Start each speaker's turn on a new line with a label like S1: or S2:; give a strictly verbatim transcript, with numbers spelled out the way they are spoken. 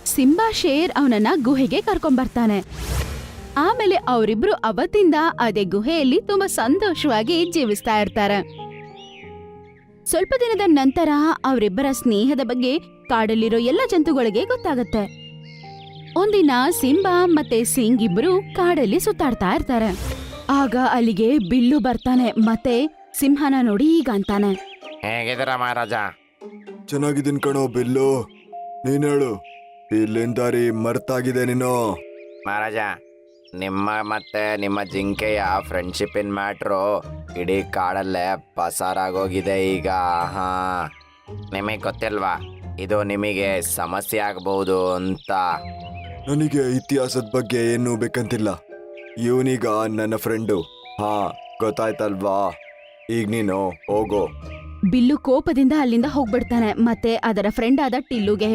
S1: Simba share ಅವನನ್ನ ಗುಹೆಗೆ ಕರ್ಕೊಂಡ್ಬರ್ತಾನೆ. ಆಮೇಲೆ ಅವರಿಬ್ರು ಅವತ್ತಿಂದ ಅದೇ ಗುಹೆಯಲ್ಲಿ ತುಂಬಾ ಸಂತೋಷವಾಗಿ ಜೀವಿಸ್ತಾ ಇರ್ತಾರೆ. ಸ್ವಲ್ಪ ದಿನದ ನಂತರ ಅವರಿಬ್ಬರ ಸ್ನೇಹದ ಬಗ್ಗೆ ಕಾಡಲ್ಲಿರೋ ಎಲ್ಲ ಜಂತುಗಳಿಗೆ ಗೊತ್ತಾಗತ್ತೆ. ಒಂದಿನ ಸಿಂಬಾ ಮತ್ತೆ ಸಿಂಗ್ ಇಬ್ರು ಕಾಡಲ್ಲಿ ಸುತ್ತಾಡ್ತಾ ಇರ್ತಾರೆ. ಆಗ ಅಲ್ಲಿಗೆ ಬಿಲ್ಲು ಬರ್ತಾನೆ ಮತ್ತೆ ಸಿಂಹನ ನೋಡಿ ಈಗ ಅಂತಾನೆ,
S2: ಹೇಗಿದ್ದೀರ ಮಹಾರಾಜ?
S3: ಚೆನ್ನಾಗಿದ್ದೀನಿ ಕಣೋ ಬಿಲ್ಲು, ನೀನ್ ಹೇಳು, ಇಲ್ಲಿನ ದಾರಿ ಮರ್ತಾಗಿದೆ ನೀನು.
S2: ಮಹಾರಾಜ, ನಿಮ್ಮ ಮತ್ತೆ ನಿಮ್ಮ ಜಿಂಕೆಯ ಫ್ರೆಂಡ್ಶಿಪ್ಪಿನ ಮ್ಯಾಟ್ರು ಇಡೀ ಕಾಡಲ್ಲೇ ಪಸಾರಾಗೋಗಿದೆ ಈಗ. ಹಾ, ನಿಮಗೆ ಗೊತ್ತಿಲ್ವಾ ಇದು ನಿಮಗೆ ಸಮಸ್ಯೆ ಆಗಬಹುದು ಅಂತ?
S3: ನನಗೆ ಇತಿಹಾಸದ ಬಗ್ಗೆ ಏನು ಬೇಕಂತಿಲ್ಲ, ಇವನೀಗ ನನ್ನ ಫ್ರೆಂಡು. ಹಾ, ಗೊತ್ತಾಯ್ತಲ್ವಾ? ಈಗ ನೀನು ಹೋಗೋ.
S1: ಬಿಲ್ಲು ಕೋಪದಿಂದ ಅಲ್ಲಿಂದ ಹೋಗ್ಬಿಡ್ತಾನೆ ಮತ್ತೆ ಅದರ ಫ್ರೆಂಡ್ ಆದ ಟಿಲ್ಲುಗೆ